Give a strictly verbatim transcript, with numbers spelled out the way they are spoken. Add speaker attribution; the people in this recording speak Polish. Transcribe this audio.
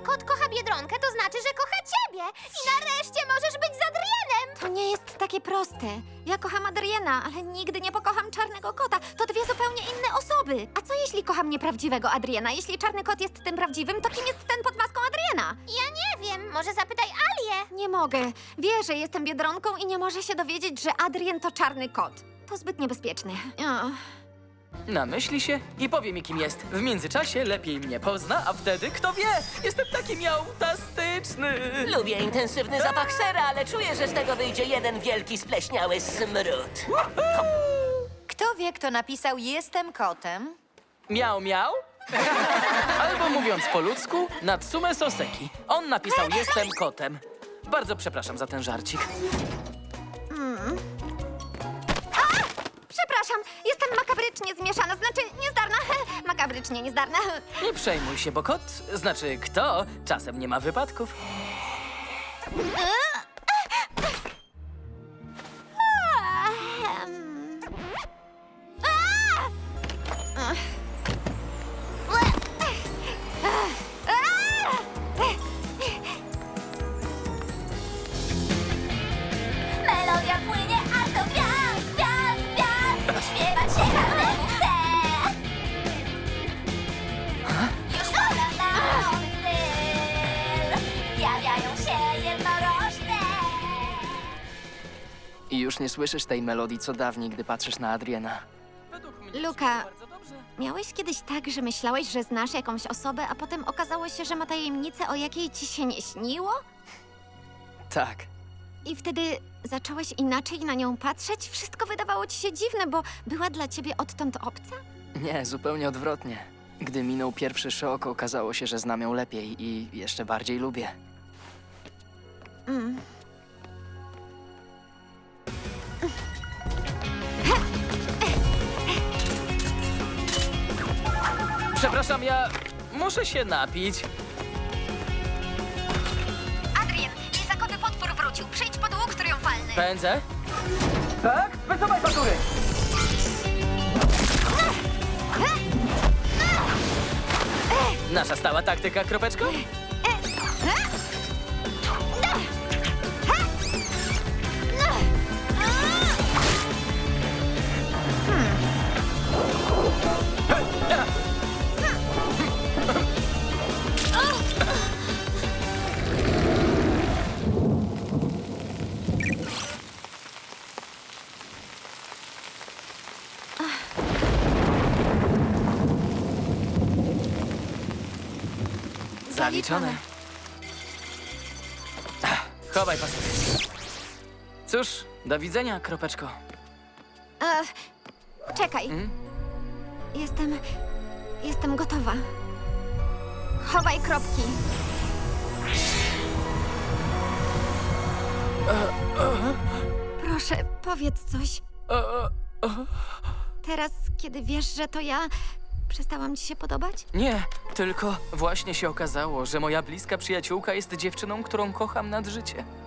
Speaker 1: kot kocha Biedronkę, to znaczy, że kocha ciebie. I nareszcie możesz być z Adrienem.
Speaker 2: To nie jest takie proste. Ja kocham Adriena, ale nigdy nie pokocham czarnego kota. To dwie zupełnie inne osoby. A co jeśli kocham nieprawdziwego Adriena? Jeśli czarny kot jest tym prawdziwym, to kim jest ten pod maską Adriena?
Speaker 1: Ja nie wiem, może zapytaj Alię.
Speaker 2: Nie mogę. Wie, że jestem Biedronką i nie może się dowiedzieć, że Adrien to czarny kot. To zbyt niebezpieczne. O.
Speaker 3: Namyśli się i powie mi, kim jest. W międzyczasie lepiej mnie pozna, a wtedy, kto wie, jestem taki miałtastyczny.
Speaker 4: Lubię intensywny zapach sera, ale czuję, że z tego wyjdzie jeden wielki spleśniały smród.
Speaker 5: Kto wie, kto napisał Jestem kotem?
Speaker 3: Miał, miał? Albo mówiąc po ludzku, Natsume Soseki. On napisał Jestem kotem. Bardzo przepraszam za ten żarcik.
Speaker 2: Przepraszam, jestem makabrycznie zmieszana, znaczy niezdarna. Makabrycznie niezdarna.
Speaker 3: Nie przejmuj się, bo kot, znaczy kto, czasem nie ma wypadków.
Speaker 2: Em.
Speaker 1: Melodia płynie, a to gwiazd, gwiazd, gwiazd. Śpiewać się każdemu chce. Już pora na nowy styl. Zjawiają się jednorożce.
Speaker 6: I już nie słyszysz tej melodii, co dawniej, gdy patrzysz na Adriena.
Speaker 3: Według mnie
Speaker 2: Luka.
Speaker 3: bardzo dobrze.
Speaker 2: Miałeś kiedyś tak, że myślałeś, że znasz jakąś osobę, a potem okazało się, że ma tajemnicę, o jakiej ci się nie śniło?
Speaker 6: Tak.
Speaker 2: I wtedy zacząłeś inaczej na nią patrzeć? Wszystko wydawało ci się dziwne, bo była dla ciebie odtąd obca?
Speaker 6: Nie, zupełnie odwrotnie. Gdy minął pierwszy szok, okazało się, że znam ją lepiej i jeszcze bardziej lubię.
Speaker 2: Mm.
Speaker 3: Przepraszam, ja muszę się napić.
Speaker 2: Adrien, lizakowy potwór wrócił. Przyjdź pod łuk triumfalny.
Speaker 3: Pędzę? Tak? Wysuwaj fatury! Nasza stała taktyka, kropeczko? Zaliczone. Ach, chowaj pasek. Cóż, do widzenia, kropeczko.
Speaker 2: E, czekaj.
Speaker 3: Mm?
Speaker 2: Jestem... Jestem gotowa. Chowaj kropki. Proszę, powiedz coś. Teraz, kiedy wiesz, że to ja, przestałam ci się podobać?
Speaker 3: Nie, tylko właśnie się okazało, że moja bliska przyjaciółka jest dziewczyną, którą kocham nad życie.